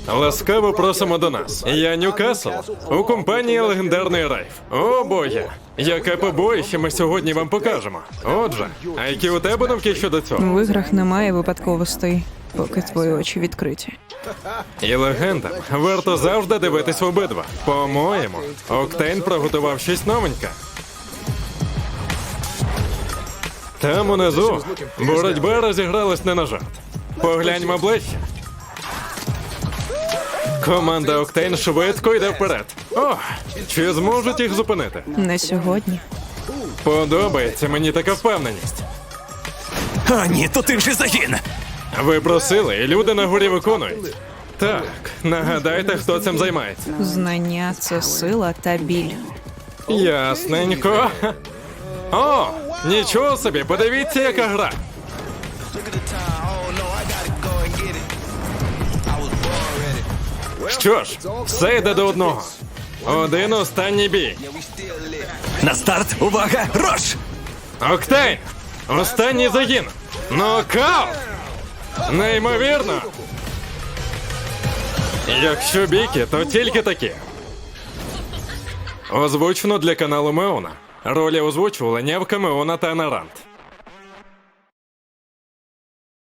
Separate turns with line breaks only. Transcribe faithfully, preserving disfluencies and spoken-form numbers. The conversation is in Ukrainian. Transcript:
Ласкаво просимо до нас. Я Ньюкасл у компанії легендарний Райф. О боє! Яке побоїще ми сьогодні вам покажемо. Отже, а які у тебе думки щодо цього?
В іграх немає випадковостей, поки твої очі відкриті.
І легендам варто завжди дивитись в обидва. По-моєму, Октейн приготував щось новеньке. Там унизу боротьба розігралась не на жарт. Погляньмо ближче. Команда Октейн швидко йде вперед. О, чи зможуть їх зупинити?
Не сьогодні.
Подобається мені така впевненість.
А ні, то ти вже загін.
Ви просили, і люди на горі виконують. Так, нагадайте, хто цим займається.
Знання – це сила та біль.
Ясненько. О, нічого собі, подивіться, яка гра. Що ж, все йде до одного. Один останній бій.
На старт, увага, рош!
Октейн! Останній загін! Нокаут! Неймовірно! Якщо біки, то тільки такі. Озвучено для каналу Меона. Ролі озвучували Нєвка, Меона та Нарант.